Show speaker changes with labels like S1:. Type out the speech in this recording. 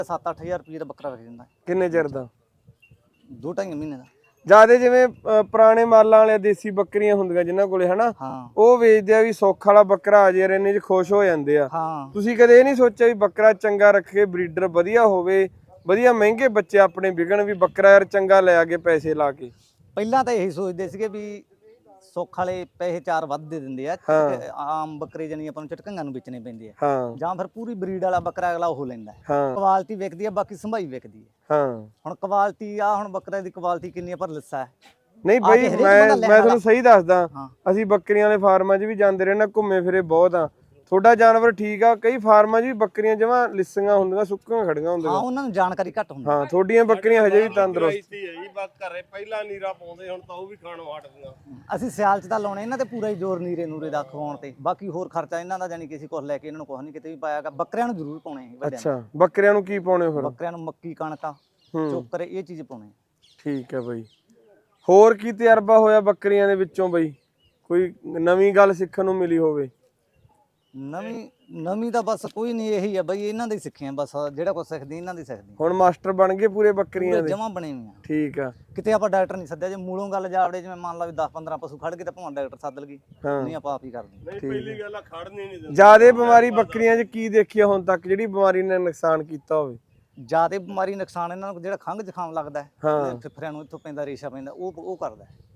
S1: 7-8000 ਰੁਪਏ ਦਾ ਬੱਕਰਾ ਵਿਕ ਜਾਂਦਾ।
S2: ਕਿੰਨੇ ਚਿਰ ਦਾ?
S1: 2-2.5 ਮਹੀਨੇ ਦਾ।
S2: ਜਿਆਦੇ ਜਿਵੇਂ ਪੁਰਾਣੇ ਮਾਲਾਂ ਵਾਲੇ ਦੇਸੀ ਬੱਕਰੀਆਂ ਹੁੰਦੀਆਂ ਜਿਨ੍ਹਾਂ ਕੋਲੇ ਹਨਾ,
S1: ਹਾਂ
S2: ਉਹ ਵੇਚਦੇ ਆ ਵੀ ਸੁੱਖ ਵਾਲਾ ਬੱਕਰਾ ਆ ਜੇ ਇੰਨੇ ਚ ਖੁਸ਼ ਹੋ ਜਾਂਦੇ ਆ।
S1: ਹਾਂ
S2: ਤੁਸੀਂ ਕਦੇ ਇਹ ਨਹੀਂ ਸੋਚਿਆ ਵੀ ਬੱਕਰਾ ਚੰਗਾ ਰੱਖੇ, ਬਰੀਡਰ ਵਧੀਆ ਹੋਵੇ, ਵਧੀਆ ਮਹਿੰਗੇ ਬੱਚੇ ਆਪਣੇ ਵਿਕਣ, ਵੀ ਬੱਕਰਾ ਯਾਰ ਚੰਗਾ ਲੈ ਆ ਕੇ ਪੈਸੇ ਲਾ ਕੇ?
S1: ਪਹਿਲਾਂ ਤਾਂ ਇਹੀ ਸੋਚਦੇ ਸੀਗੇ ਵੀ ਸੁੱਖ ਵਾਲੇ ਪੈਸੇ 4 ਵੱਧ ਦੇ ਦਿੰਦੇ ਆ, ਆਮ ਬੱਕਰੇ ਜਾਨੀ ਆਪਾਂ ਨੂੰ ਝਟਕੰਗਾਂ ਨੂੰ ਵੇਚਣੇ ਪੈਂਦੇ ਆ,
S2: ਹਾਂ
S1: ਜਾਂ ਫਿਰ ਪੂਰੀ ਬਰੀਡ ਵਾਲਾ ਬੱਕਰਾ ਅਗਲਾ ਉਹ ਲੈਂਦਾ।
S2: ਹਾਂ
S1: ਕੁਆਲਿਟੀ ਵਿਕਦੀ ਆ, ਬਾਕੀ ਸੰਭਾਈ ਵਿਕਦੀ ਹੈ।
S2: ਹਾਂ
S1: ਹੁਣ ਕੁਆਲਿਟੀ ਆ, ਹੁਣ ਬੱਕਰੇ ਦੀ ਕੁਆਲਿਟੀ ਕਿੰਨੀ ਆ, ਪਰ ਲਿੱਸਾ ਹੈ।
S2: ਨਹੀਂ
S1: ਆ
S2: ਬਈ,
S1: ਕੇ ਹਰੇਕ ਬੰਦਾ
S2: ਮੈਂ
S1: ਲੈਣ
S2: ਤੁਹਾਨੂੰ
S1: ਵਾਲਾ।
S2: ਸਹੀ ਦੱਸਦਾ,
S1: ਹਾਂ
S2: ਅਸੀਂ ਬੱਕਰੀਆਂ ਵਾਲੇ ਫਾਰਮਾਂ 'ਚ ਵੀ ਜਾਂਦੇ ਰਹੇ ਨਾ, ਘੁੰਮੇ ਫਿਰੇ ਬਹੁਤ ਆ। ਤੁਹਾਡਾ ਜਾਨਵਰ ਠੀਕ ਆ, ਕਈ ਫਾਰਮਾਂ 'ਚ ਵੀ ਬੱਕਰੀਆਂ ਜਮਾਂ ਲਿੱਸੀਆਂ ਹੁੰਦੀਆਂ, ਸੁੱਕੀਆਂ ਖੜੀਆਂ
S1: ਹਾਂ,
S2: ਹੁੰਦੀਆਂ।
S1: ਉਹਨਾਂ ਨੂੰ ਜਾਣਕਾਰੀ ਘੱਟ ਹੁੰਦੀ।
S2: ਹਾਂ, ਤੁਹਾਡੀਆਂ ਬੱਕਰੀਆਂ ਹਜੇ ਵੀ ਤੰਦਰੁਸਤ।
S3: ਘਰੇ ਪਹਿਲਾਂ ਨੀਰਾ ਪਾਉਂਦੇ, ਹੁਣ ਤਾਂ ਉਹ ਵੀ ਖਾਣੋਂ ਹਟ ਗਈਆਂ।
S1: ਅਸੀਂ ਸਿਆਲ ਚ ਤਾਂ ਲਾਉਣੇ ਇਹਨਾਂ ਤੇ ਪੂਰਾ ਹੀ ਜ਼ੋਰ ਨੀਰੇ ਨੂਰੇ ਦਾ ਖਵਾਉਣ ਤੇ, ਬਾਕੀ ਹੋਰ ਖਰਚਾ ਇਹਨਾਂ ਦਾ ਜਾਨੀ ਕਿ ਅਸੀਂ ਕੁਝ ਲੈ ਕੇ ਇਹਨਾਂ ਨੂੰ ਕੁਝ ਨਹੀਂ ਕਿਤੇ ਵੀ ਪਾਇਆਗਾ। ਬੱਕਰਿਆਂ ਨੂੰ ਜ਼ਰੂਰ ਪਾਉਣੇ ਵੱਡਿਆਂ ਨੂੰ।
S2: ਅੱਛਾ, ਬੱਕਰਿਆਂ ਨੂੰ ਕੀ ਪਾਉਣੇ ਫਿਰ?
S1: ਬੱਕਰਿਆਂ ਨੂੰ ਮੱਕੀ, ਕਣਕਾਂ, ਚੋਕਰ, ਇਹ ਚੀਜ਼ ਪਾਉਣੇ।
S2: ਠੀਕ ਹੈ ਬਈ। ਹੋਰ ਕੀ ਤਜਰਬਾ ਹੋਇਆ ਬੱਕਰੀਆਂ ਦੇ ਵਿੱਚੋਂ ਬਈ? ਕੋਈ ਨਵੀਂ ਗੱਲ ਸਿੱਖਣ ਨੂੰ ਮਿਲੀ ਹੋਵੇ?
S1: ਨਵੀਂ ਤਾਂ ਬਸ ਕੋਈ ਨਹੀਂ, ਇਹੀ ਆ ਬਈ, ਇਹਨਾਂ ਦੇ ਹੀ ਸਿੱਖਿਆ ਬਸ, ਜਿਹੜਾ ਕੁਝ ਸਿੱਖਦੀ ਇਹਨਾਂ ਦੀ ਸਿੱਖਦੀ।
S2: ਹੁਣ ਮਾਸਟਰ ਬਣ ਗਏ ਪੂਰੇ ਬੱਕਰੀਆਂ ਦੇ?
S1: ਜਮਾਂ ਬਣੇ ਹੋਏ ਆ।
S2: ਠੀਕ ਆ।
S1: ਕਿਤੇ ਆਪਾਂ ਡਾਕਟਰ ਨਹੀਂ ਸੱਦਿਆ, ਜੇ ਮੂਲੋਂ ਗੱਲ ਜਾਵੜੇ, ਜਿਵੇਂ ਮੰਨ ਲਾ ਵੀ 10-15 ਪਸ਼ੂ ਖੜ ਗਏ ਤਾਂ ਭਾਵੇਂ ਡਾਕਟਰ ਸੱਦ ਲਗੀ, ਨਹੀਂ ਆਪਾਂ ਆਪ ਹੀ ਕਰਦੇ।
S3: ਪਹਿਲੀ ਗੱਲ ਆ, ਖੜਨੀ ਨਹੀਂ ਦਿੰਦੇ।
S2: ਜਿਆਦੇ ਬਿਮਾਰੀ ਬੱਕਰੀਆਂ 'ਚ ਕੀ ਦੇਖਿਆ ਹੁਣ ਤੱਕ, ਜਿਹੜੀ ਬਿਮਾਰੀ ਨੇ ਨੁਕਸਾਨ ਕੀਤਾ ਹੋਵੇ?
S1: ਜਿਆਦੇ ਬਿਮਾਰੀ ਨੁਕਸਾਨ ਇਹਨਾਂ ਨੂੰ ਜਿਹੜਾ ਖੰਘ ਜ਼ੁਕਾਮ ਲੱਗਦਾ ਹੈ,
S2: ਹਾਂ
S1: ਫਿਫਰਿਆਂ ਨੂੰ ਇੱਥੋਂ ਪੈਂਦਾ, ਰੇਸ਼ਾ ਪੈਂਦਾ, ਉਹ ਕਰਦਾ।